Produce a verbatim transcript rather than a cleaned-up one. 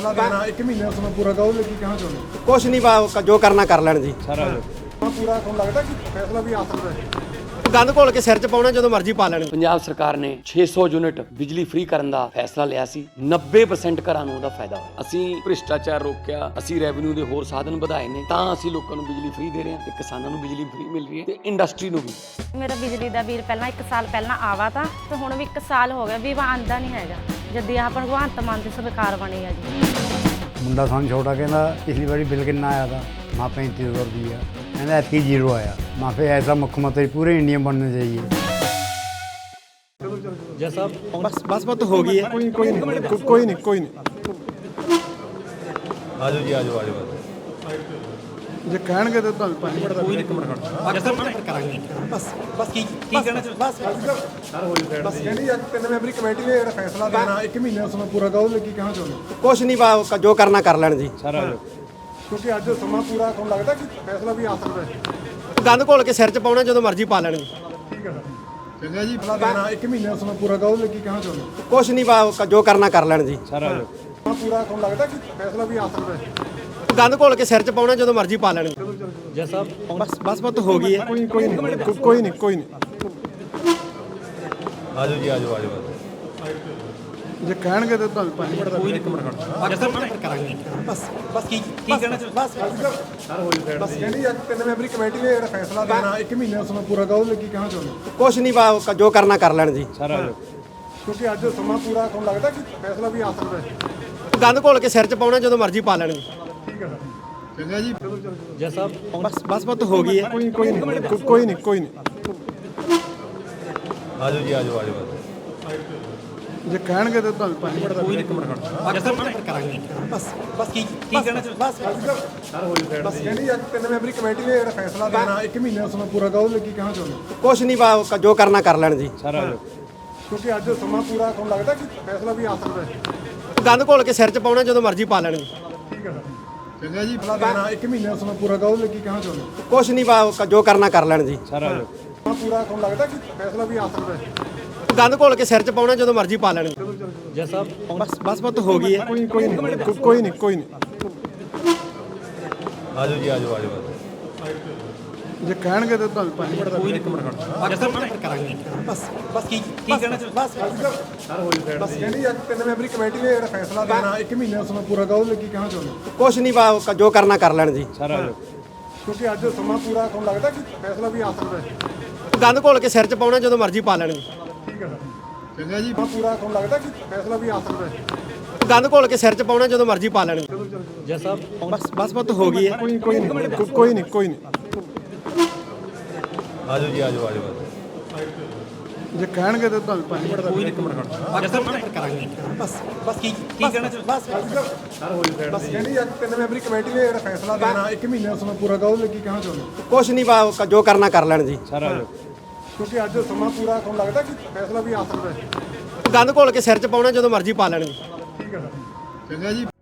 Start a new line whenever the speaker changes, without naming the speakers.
फैसला देना एक महीने समय पूरा करो लेकिन कहाँ चाहते
कुछ नहीं बा जो करना कर लैन जी
पूरा कौन लगता कि फैसला भी आ सकता है
गंद घोल के सिर च पाउना जो मर्जी पा लैन।
ਪੰਜਾਬ ਸਰਕਾਰ ਨੇ ਛੇ ਸੌ ਯੂਨਿਟ ਬਿਜਲੀ ਫ੍ਰੀ ਕਰਨ ਦਾ ਫੈਸਲਾ ਲਿਆ ਸੀ। ਨੱਬੇ ਪਰਸੈਂਟ ਘਰਾਂ ਨੂੰ ਉਹਦਾ ਫਾਇਦਾ ਹੋਇਆ। ਅਸੀਂ ਭ੍ਰਿਸ਼ਟਾਚਾਰ ਰੋਕਿਆ, ਅਸੀਂ ਰੈਵਨਿਊ ਦੇ ਹੋਰ ਸਾਧਨ ਵਧਾਏ ਨੇ, ਤਾਂ ਅਸੀਂ ਲੋਕਾਂ ਨੂੰ ਬਿਜਲੀ ਫ੍ਰੀ ਦੇ ਰਹੇ ਹਾਂ ਤੇ ਕਿਸਾਨਾਂ ਨੂੰ ਬਿਜਲੀ ਫ੍ਰੀ ਮਿਲ ਰਹੀ ਹੈ ਤੇ ਇੰਡਸਟਰੀ ਨੂੰ ਵੀ।
ਮੇਰਾ ਬਿਜਲੀ ਦਾ ਬਿੱਲ ਪਹਿਲਾਂ ਇੱਕ ਸਾਲ ਪਹਿਲਾਂ ਆਵਾ ਤਾਂ ਤੇ ਹੁਣ ਵੀ ਇੱਕ ਸਾਲ ਹੋ ਗਿਆ ਵੀ ਆਂਦਾ ਨਹੀਂ ਹੈਗਾ ਜਦ ਆਹ ਭਗਵੰਤ ਮਾਨ ਦੀ ਸਰਕਾਰ ਬਣੀ ਆ ਜੀ।
ਮੁੰਡਾ ਸਾਨੂੰ ਛੋਟਾ ਕਹਿੰਦਾ ਪਿਛਲੀ ਵਾਰੀ ਬਿੱਲ ਕਿੰਨਾ ਆਇਆ ਤਾਂ ਮਾਂ पैंतीस सौ रुपया कहना ऐसी जीरो आया माँ फिर ऐसा मुख्यमंत्री पूरे इंडिया बनना चाहिए।
जैसा बस बस बात तो हो गई है।
कोई कोई नहीं कोई नहीं कोई नहीं
आजो जी आजो आजो
जे कहणगे तो तुहानू पंज मिनट दा कोई नहीं कमर करना बस बस की की कहना बस सर होई साइड बस कहनी एक तीन मैंबरी कमेटी ने जेड़ा फैसला देना एक महीने समय पूरा करो लेकिन कहाँ चाहते
कुछ नहीं बा जो करना कर लैन जी
सर क्योंकि अज समा पूरा कौन लगता कि फैसला भी आ सकता है
गंद घोल के सिर च पाउना जो मर्जी पा लैन।
ठीक है चंगा जी फैसला देना एक महीने समय पूरा करो लेकिन कहाँ चाहते
कुछ नहीं बा जो करना कर लैन जी
सर पूरा कौन लगता कि फैसला भी आ सकता है
गंद घोल के सिर च पाउना जो मर्जी पा लैन। जैसा बस बस बात तो हो गई है।
कोई कोई नहीं कोई नहीं कोई नहीं
आजो जी आजो आजो
जे कहणगे तो तुहानू पंज मिनट दा कोई नहीं कमर करना बस बस की की कहना बस सर होई साइड बस कहनी एक तीन मैंबरी कमेटी ने जेड़ा फैसला देना एक महीने समय पूरा करो लेकिन कहाँ चाहते
कुछ नहीं बा जो करना कर लैन जी
सर क्योंकि अज समा पूरा कौन लगता कि फैसला भी आ सकता है
गंद घोल के सिर च पाउना जो मर्जी पा लैन।
ठीक है चंगा जी
जैसा बस बस बात तो हो गई है।
कोई कोई नहीं कोई नहीं कोई नहीं
आजो जी आजो आजो
जे कहणगे तो तुहानू पंज मिनट दा कोई नहीं कमर करना बस बस की की कहना बस सर होई साइड बस कहनी एक तीन मैंबरी कमेटी ने जेड़ा फैसला देना एक महीने समय पूरा करो लेकिन कहाँ चाहते
कुछ नहीं बा जो करना कर लैन जी
सर क्योंकि अज समा पूरा कौन लगता कि फैसला भी आ सकता है
गंद घोल के सिर च पाउना जो मर्जी पा लैन।
ठीक है चंगा जी फैसला देना एक महीने समय पूरा करो लेकिन कहाँ चाहते
कुछ नहीं बा जो करना कर लैन जी
सर पूरा कौन लगता कि फैसला भी आ सकता है
गंद घोल के सिर च पाउना जो मर्जी पा लैन। जैसा बस बस बात तो हो गई है।
कोई कोई नहीं कोई नहीं कोई नहीं
आजो जी आजो आजो
जे कहणगे तो तुहानू पंज मिनट दा कोई नहीं कमर करना बस बस की की कहना बस सर होई साइड बस कहनी एक तीन मैंबरी कमेटी ने जेड़ा फैसला देना एक महीने समय पूरा करो लेकिन कहाँ चाहते
कुछ नहीं बा जो करना कर लैन जी
सर क्योंकि अज समा पूरा कौन लगता कि फैसला भी आ सकता है
गंद घोल के सिर च पाउना जो मर्जी पा लैन।
ठीक है चंगा जी पूरा कौन लगता कि फैसला भी आ सकता है
गंद घोल के सिर च पाउना जो मर्जी पा लैन। जैसा बस बस बात तो हो गई है।
कोई कोई नहीं कोई नहीं कोई नहीं
आजो जी आजो आजो
जे कहणगे तो तुहानू पंज मिनट दा कोई नहीं कमर करना बस बस की की कहना बस सर होई साइड बस कहनी एक तीन मैंबरी कमेटी ने जेड़ा फैसला देना एक महीने समय पूरा करो लेकिन कहाँ चाहते
कुछ नहीं बा जो करना कर लैन जी
सर क्योंकि अज समा पूरा कौन लगता कि फैसला भी आ सकता है
गंद घोल के सिर च पाउना जो मर्जी पा लैन।
ठीक है चंगा जी